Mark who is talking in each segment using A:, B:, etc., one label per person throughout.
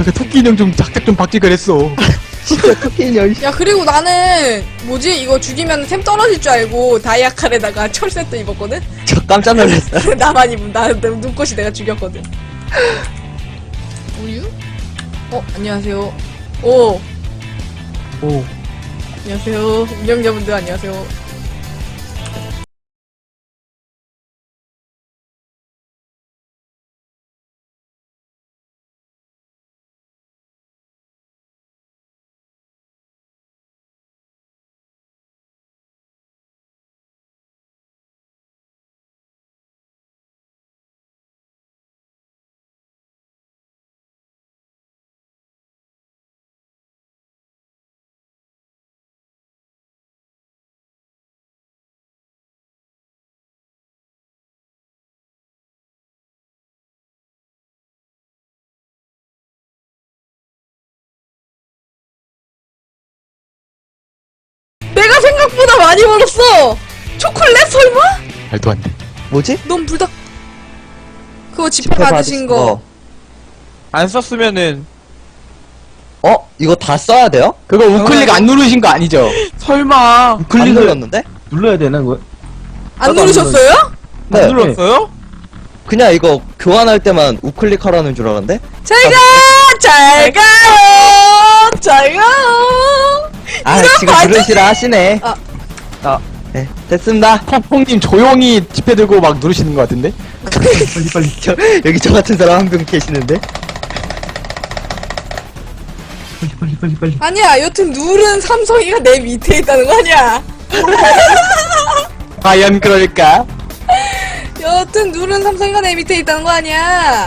A: 그 토끼 인형 좀 작작 좀 바뀌 그랬어.
B: 진짜 토끼 인형.
C: 야 그리고 나는 뭐지 이거 죽이면 템 떨어질 줄 알고 다이아칼에다가 철 세트 입었거든?
B: 저 깜짝 놀랐어요.
C: 나만 입은 나 눈꽃이 내가 죽였거든. 우유? 안녕하세요. 오
A: 오.
C: 안녕하세요. 운영자분들 안녕하세요. 내가 생각보다 많이 벌었어. 초콜릿 설마?
A: 말도 안 돼.
B: 뭐지?
C: 넌 불닭 그거 지폐 받으신 거.
D: 안 썼으면은
B: 이거 다 써야 돼요?
A: 그거 우클릭 안 누르신 거 아니죠?
D: 설마
B: 안
A: 우클릭을
B: 눌렀는데?
E: 눌러야 되나 그거?
C: 안
E: 나도 안
C: 누르셨어요?
B: 네.
D: 안 눌렀어요?
B: 그냥 이거 교환할 때만 우클릭 하라는 줄 알았는데?
C: 잘 가요. 잘 가요.
B: 아,
C: 이런
B: 지금
C: 반전-
B: 누르시라 하시네.
C: 아.
B: 네, 됐습니다.
A: 콩콩님 조용히 지폐 들고 막 누르시는 거 같은데?
B: 빨리. 여기 저 같은 사람 한 명 계시는데?
E: 빨리.
C: 아니야 여튼 누른 삼성이가 내 밑에 있다는 거 아니야.
A: 과연 그럴까?
C: 여튼 누른 삼성이가 내 밑에 있다는 거 아니야.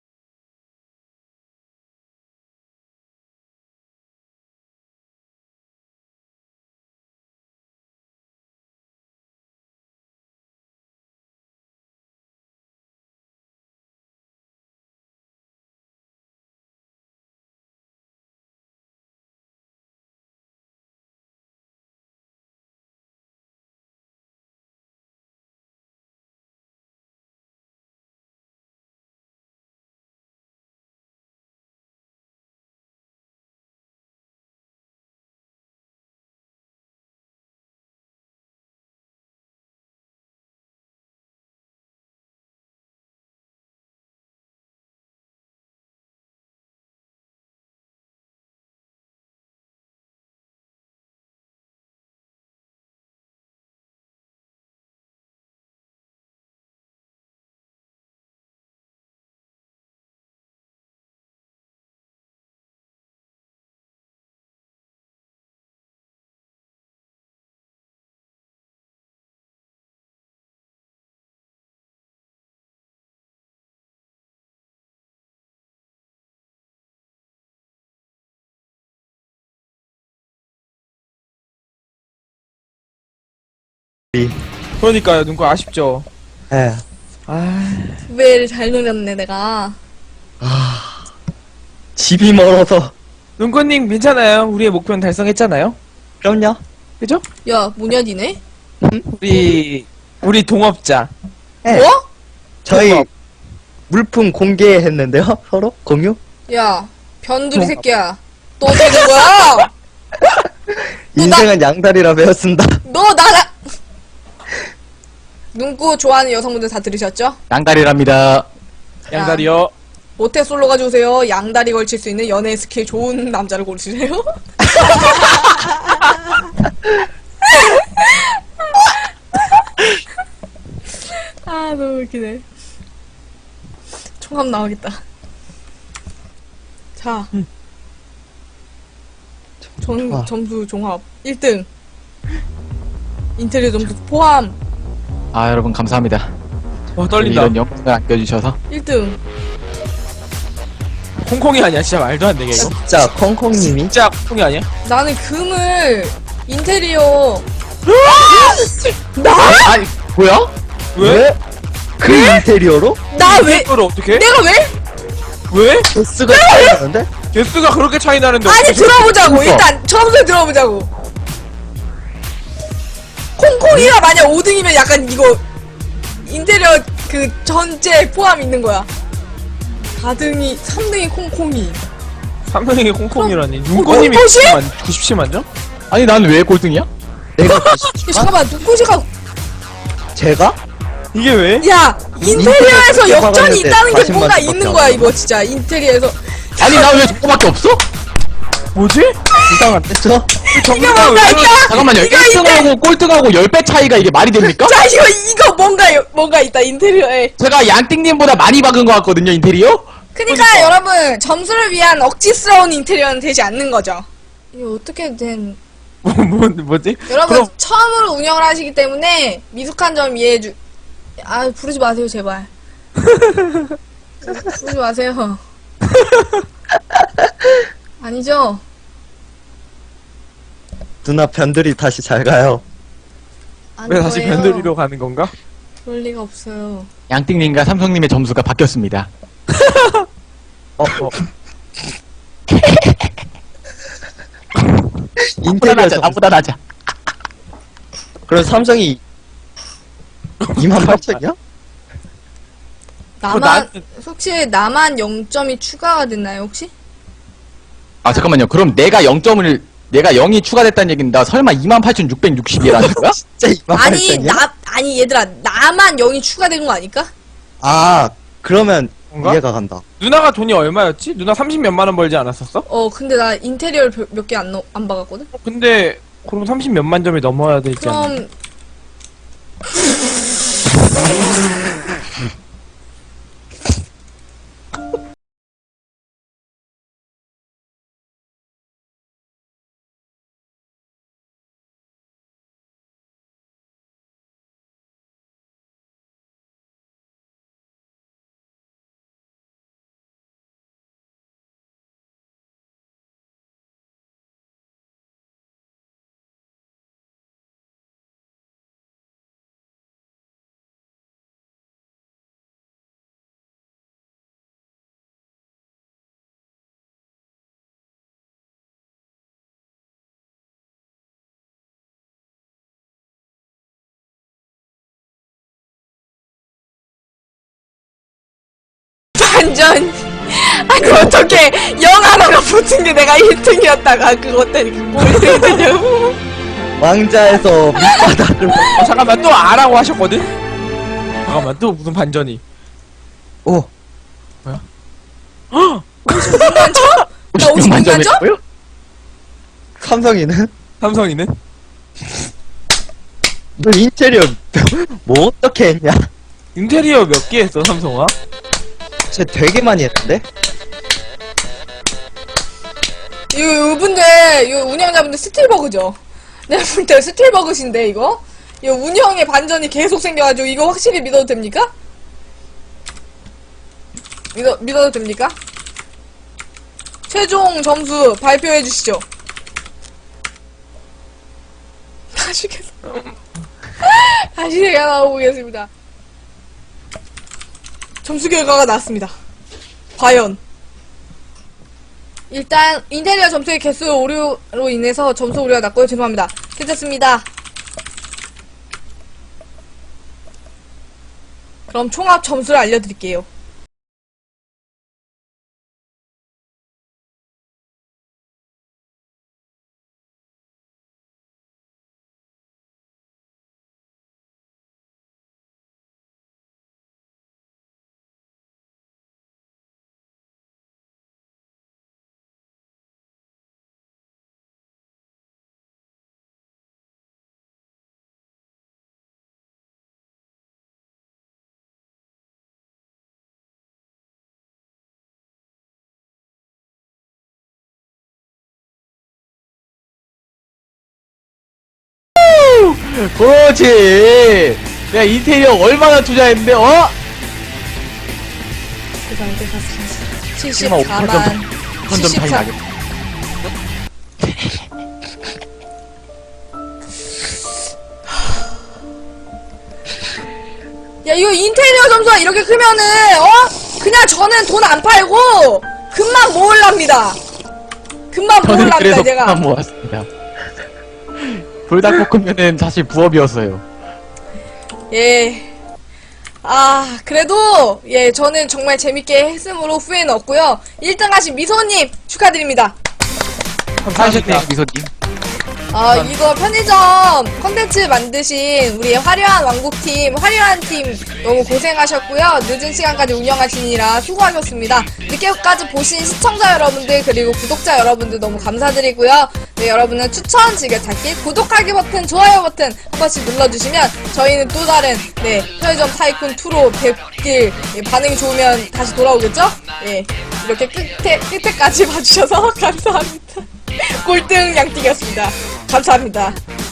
D: 그러니까요 눈꽃 아쉽죠.
B: 예.
C: 두 배를 잘 노렸네 내가.
B: 집이 멀어서.
D: 눈꽃님 괜찮아요. 우리의 목표는 달성했잖아요.
B: 그럼요.
D: 그죠?
C: 야 모녀디네?
D: 우리 동업자.
B: 예.
C: 뭐?
B: 저희
D: 그거.
B: 물품 공개했는데요? 서로? 공유?
C: 야 변두리 새끼야. 또 어떻게 된 거야?
B: 인생은 양다리라 배웠습니다.
C: 너 나라 눈꽃 좋아하는 여성분들 다 들으셨죠?
A: 양다리랍니다.
D: 양다리요.
C: 모태솔로 가져오세요. 양다리 걸칠 수 있는 연애 스킬 좋은 남자를 고르시래요. 아 너무 웃기네. 총합 나오겠다. 자 점수 종합 1등 인테리어 점수 포함
A: 아 여러분 감사합니다.
D: 떨린다.
A: 이런 영상을 안겨주셔서.
C: 1등.
D: 콩콩이 아니야. 진짜 말도 안 되게 이거.
B: 진짜 콩콩님이
D: 진짜 콩콩이 아니야?
C: 나는 금을 인테리어
A: 아니 뭐야?
D: 왜?
B: 그 인테리어로?
C: 나 왜?
D: 이걸 어떻게?
C: 내가 왜?
D: 왜?
B: 개수가 차이 나는데?
D: 개수가 그렇게 차이 나는데
C: 아니
D: 어떻게
C: 들어보자고.
B: 그러니까.
C: 일단 처음부터 들어보자고. 콩콩이가 만약 5등이면 약간 이거 인테리어 그 전체 포함 있는 거야. 4등이 3등이 콩콩이
D: 삼성이 콩콩이라니. 눈꽃님이
C: 혹시?
D: 97만 점?
A: 아니 난 왜 꼴등이야?
B: 내가
C: 야, 잠깐만 누구지가
B: 제가?
D: 이게 왜?
C: 야 인테리어에서
B: 인테리어
C: 역전이
B: 박았는데
C: 있다는 게
B: 40만
C: 뭔가
B: 밖에
C: 있는
B: 안
C: 거야
B: 나와.
C: 이거 진짜 인테리어에서
A: 아니 나 왜 저거밖에 없어?
D: 뭐지?
B: 이상한데 저?
C: 이게 뭔가 있다.
A: 잠깐만요.
C: 이거
A: 1등하고 꼴등하고 10배 차이가 이게 말이 됩니까?
C: 자 이거 뭔가 있다 인테리어에.
A: 제가 양띵님보다 많이 박은 것 같거든요 인테리어?
C: 그러니까 여러분 점수를 위한 억지스러운 인테리어는 되지 않는 거죠. 이거 어떻게 된?
D: 뭐지?
C: 여러분
D: 그럼-
C: 처음으로 운영을 하시기 때문에 미숙한 점 이해해주. 아 부르지 마세요 제발. 부르지 마세요. 아니죠?
B: 누나 변들이 다시 잘 가요.
C: 아닐
D: 왜 다시
C: 거예요.
D: 변두리로 가는 건가?
C: 그럴 리가 없어요.
A: 양띵님과 삼성님의 점수가 바뀌었습니다.
B: 인테리어
A: 나보다 나보다 낮아.
B: 그럼 삼성이 28,000이야?
C: 나만 혹시 나만 0점이 추가가 됐나요 혹시?
A: 아 잠깐만요. 그럼 내가 0이 추가됐다는 얘긴다. 설마 28,660이라는 거야?
B: 진짜 28,000이야?
C: 아니 얘들아 나만 0이 추가된 거 아닐까?
B: 아 그러면
D: 뭔가?
B: 이해가 간다.
D: 누나가 돈이 얼마였지? 누나 30몇만 원 벌지 않았었어?
C: 근데 나 인테리어를 몇 개 안 박았거든?
D: 근데 그럼 30몇만 점이 넘어야 되지 않나?
C: 그럼 완전 아니 어떻게 영 하나가 붙은 게 내가 1등이었다가 그것 때문에 꼴등이 되냐고.
B: 왕자에서 밑바닥을
D: 잠깐만 또 아라고 하셨거든? 잠깐만 또 무슨 반전이.
B: 오
C: 56만 점? 나 56만 점?
A: 점이고요?
B: 삼성이는?
D: 삼성이는?
B: 너 인테리어 뭐 어떻게 했냐?
D: 인테리어 몇 개 했어 삼성아?
B: 쟤 되게 많이 했는데?
C: 이분들 이거 운영자분들 스틸버그죠? 내가 볼 때 스틸버그신데 이거 운영의 반전이 계속 생겨가지고 이거 확실히 믿어도 됩니까? 믿어도 됩니까? 최종 점수 발표해 주시죠. 다시 제가 나와보겠습니다. 점수 결과가 나왔습니다. 과연 일단 인테리어 점수의 개수 오류로 인해서 점수 오류가 났고요. 죄송합니다. 괜찮습니다. 그럼 총합 점수를 알려드릴게요.
A: 그렇지. 야 인테리어 얼마나 투자했는데
C: 세상에
A: 74만
C: 74만
A: 1,000점 차이
C: 74.
A: 나겠다.
C: 야 이거 인테리어 점수가 이렇게 크면은 그냥 저는 돈 안 팔고 금만 모을랍니다. 금만
A: 저는
C: 모을랍니다
A: 그래서
C: 제가.
A: 그만 모았습니다. 불닭볶음면은 사실 부업이었어요.
C: 예. 아, 그래도, 예, 저는 정말 재밌게 했으므로 후회는 없고요. 1등 하신 미소님 축하드립니다.
D: 감사합니다.
A: 미소님.
C: 아, 이거 편의점 컨텐츠 만드신 우리 화려한 왕국팀, 화려한 팀 너무 고생하셨고요. 늦은 시간까지 운영하시느라 수고하셨습니다. 늦게까지 보신 시청자 여러분들 그리고 구독자 여러분들 너무 감사드리고요. 네, 여러분은 추천, 즐겨찾기, 구독하기 버튼, 좋아요 버튼 한 번씩 눌러주시면 저희는 또 다른 네, 편의점 타이쿤 2로 뵙길 예, 반응이 좋으면 다시 돌아오겠죠? 예, 이렇게 끝에까지 봐주셔서 감사합니다. 꼴등 양띠였습니다. 감사합니다.